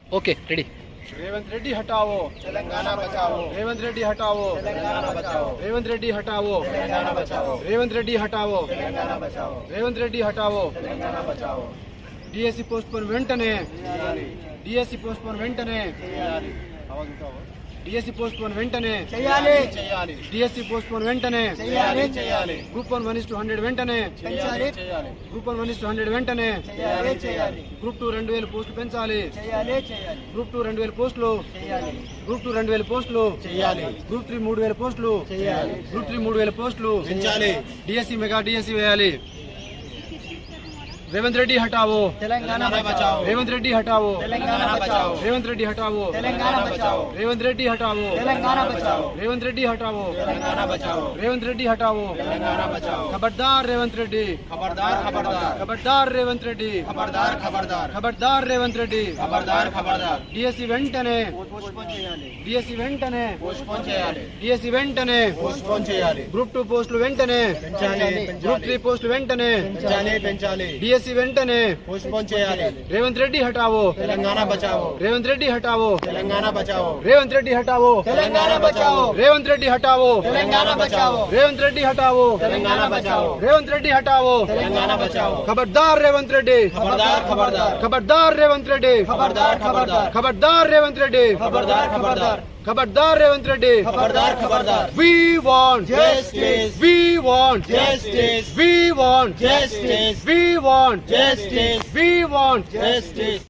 Okay ready. Revanth Reddy हटाओ, तेलंगाना बचाओ, रेवंत रेड्डी हटाओ, तेलंगाना बचाओ, रेवंत रेड्डी हटाओ, तेलंगाना बचाओ, रेवंत रेड्डी हटाओ, तेलंगाना बचाओ, रेवंत రెడ్డి హటావో। తెలంగాణ బచాओ డిఎస్సి పోస్ట్ పోన్ వెంటనే, చేయాలి డిఎస్సి పోస్ట్ పోన్ వెంటనే, చేయాలి డిఎస్సి పోస్ట్ పోన్ వెంటనే, చేయాలి చేయాలి డిఎస్సి పోస్ట్ పోన్ వెంటనే, చేయాలి చేయాలి గ్రూప్ 1 1:100 వెంటనే, పెంచాలి చేయాలి గ్రూప్ 1 1:100 వెంటనే, చేయాలి చేయాలి గ్రూప్ 2 2000 పోస్టులు పెంచాలి, చేయాలి చేయాలి గ్రూప్ 2 2000 పోస్టులు, చేయాలి గ్రూప్ 2 2000 పోస్టులు, చేయాలి గ్రూప్ 3 3000 పోస్టులు, చేయాలి గ్రూప్ 3 3000 పోస్టులు, పెంచాలి డిఎస్సి మెగా డిఎస్సి వేయాలి। रेवंत रेड्डी हटाओ, तेलंगाना बचाओ, रेवंत रेड्डी हटाओ, तेलंगाना बचाओ, रेवंत रेड्डी हटाओ, तेलंगाना बचाओ, रेवंत रेड्डी हटाओ, तेलंगाना बचाओ, रेवंत रेड्डी हटाओ, तेलंगाना बचाओ, रेवंत रेड्डी हटाओ, तेलंगाना बचाओ। खबरदार रेवंत रेड्डी, खबरदार खबरदार खबरदार रेवंत रेड्डी, खबरदार खबरदार खबरदार रेवंत रेड्डी। खबरदार खबरदार డిఎస్సి వెంటనే, పోస్ట్పోన్ చేయాలి డిఎస్సి వెంటనే, పోస్ట్పోన్ చేయాలి డిఎస్సి వెంటనే, పోస్ట్పోన్ చేయాలి గ్రూప్ 2 పోస్టులు వెంటనే, పెంచాలి గ్రూప్ 3 పోస్టులు వెంటనే, పెంచాలి పెంచాలి డిఎస్సి వెంటనే, పోస్ట్పోన్ చేయాలి रेवंत रेड्डी हटाओ, तेलंगाना बचाओ, रेवंत रेड्डी हटाओ, तेलंगाना बचाओ, रेवंत रेड्डी हटाओ, तेलंगाना बचाओ, रेवंत रेड्डी हटाओ, तेलंगाना बचाओ, रेवंत रेड्डी हटाओ, तेलंगाना बचाओ, रेवंत रेड्डी हटाओ, तेलंगाना बचाओ। खबरदार रेवंत रेड्डी, खबरदार खबरदार खबरदार रेवंत रेड्डी, खबरदार खबरदार खबरदार रेवंत रेड्डी, खबरदार खबरदार खबरदार रेवंत रेड्डी। खबरदार खबरदार We want Justice. We want Justice. We want Justice. We want Justice. We want Justice.